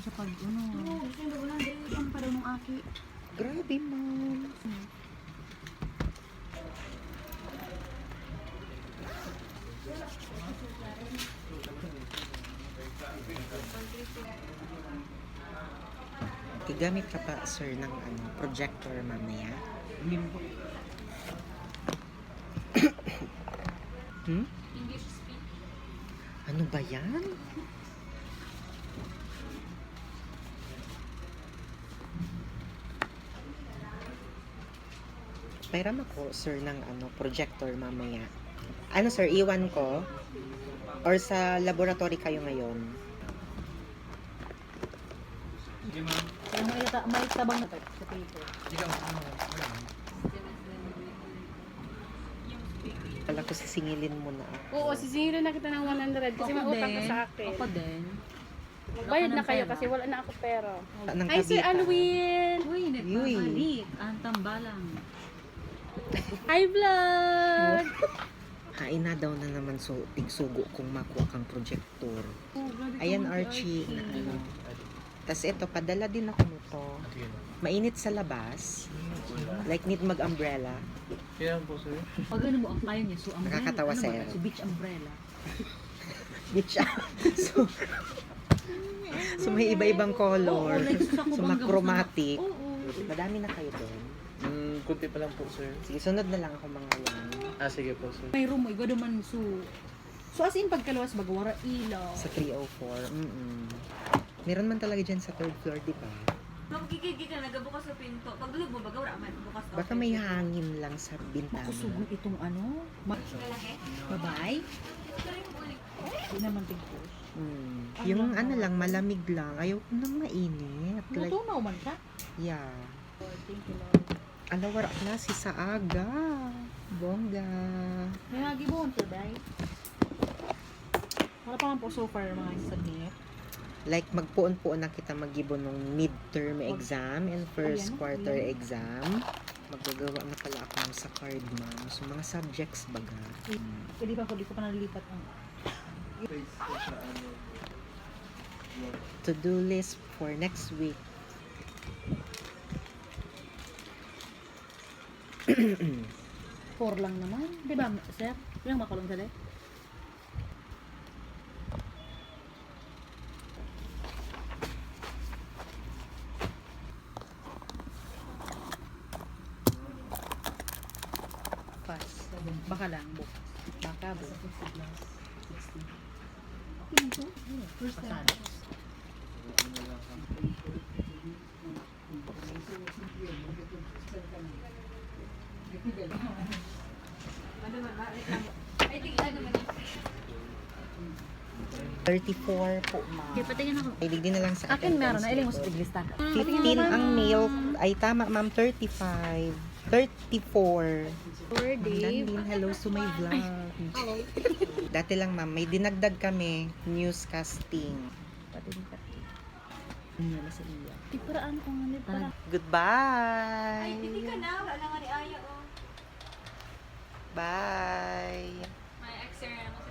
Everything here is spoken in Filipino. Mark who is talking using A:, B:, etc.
A: siya pag ano.
B: Oo, sino wala dahil pa daw nung aki.
C: Grabe, ma'am. Gagamit ka pa, sir, ng projector mamaya? Hmm?
B: English speak.
C: Ano ba yan? Pairam ako, sir, ng projector mamaya. Ano, sir, iwan ko? Or sa laboratory kayo ngayon?
D: Sige, ma'am.
A: Kaya may tabang na to sa paper.
D: Ikaw, ano?
C: Kala ko sisingilin mo na ako.
B: Oo, sisingilin na kita ng 100 kasi may utang ka sa akin.
A: Ako din.
B: Magbayad
A: Wala
B: na
A: ka ng
B: kayo
A: pera.
B: kasi wala na ako pera.
C: Ng
B: Hi, Sir
C: kabitan.
B: Alwin!
A: Uy,
C: Yuy.
A: nagpapalik. Ang tambalang.
B: Hi, vlog!
C: Hain na daw na naman tigsugo kung makuha kang projector.
A: Oh, grabe ka
C: Ayan,
A: mga
C: Archie, na
A: Archie.
C: Tapos ito, padala din ako nito.
D: Sige, ma'am.
C: Mainit sa labas. Like, need mag-umbrella.
D: Kaya po, sir.
A: Pag ano mo, ang kaya niya, so umbrella.
C: Nakakatawa
A: ano ba
C: sa'yo.
A: yan? So beach umbrella.
C: Bitch. so may iba-ibang color.
A: Oo, like, sa
C: So,
A: kubang
C: chromatic.
A: gabos na- Oo.
C: Madami na kayo doon.
D: Kunti pa lang po, sir.
C: Sige, sunod na lang ako mga yan.
D: Sige po, sir.
A: May room mo, igo naman so. So as in pagkaluwas bagwara ilaw.
C: Sa 304. Meron man talaga dyan sa third floor, di ba?
E: Magkikigi ka, nagabukas sa pinto. Pagdulog mo, baga wala man, bukas ka.
C: Baka may hangin lang sa bintana.
A: Makusugon itong ano.
E: Malaki?
A: Babae. Hindi naman tingkos.
C: Yung lang, malamig lang. Ayaw ko nang mainit. Like,
A: Natunaw man siya.
C: yeah.
A: Thank you, Lord.
C: Alawar na si Saaga. Bongga.
A: May hagi mo, Sir Bray. Wala pa lang po so far mga submit.
C: Like, magpuon-puon na kita mag-ibon ng midterm exam and first
A: Ayan,
C: quarter
A: ayan.
C: exam. Magagawa na pala ako sa card, ma'am. So, mga subjects baga.
A: Pwede pa po, di ko pa nalilipat ang
C: To-do list for next week.
A: four lang naman. Di ba, sir? Ilang makulong sa Pass. Baka lang, bukas. Baka, bukas. First time.
E: Ay, tigil naman.
C: 34 po, ma'am.
A: Okay, patingin ako.
C: Ilig din na lang sa
A: Akin meron
C: attendance
A: na, iling mo sa
C: report.
A: tiglista.
C: 15 ang nail. Ay, tama, ma'am. 35. 34.
B: Sir
C: Ma'am Landin, hello to my vlog.
B: Hello.
C: Dati lang, ma'am, may dinagdag kami. Newscasting.
A: Patingin ka. Wala sa iya.
B: Di paraan ko nga nito.
A: Tara.
C: Goodbye.
E: Ay, hindi ka na. Wala na nga ni Aya, oh.
C: Bye.
E: May extra naman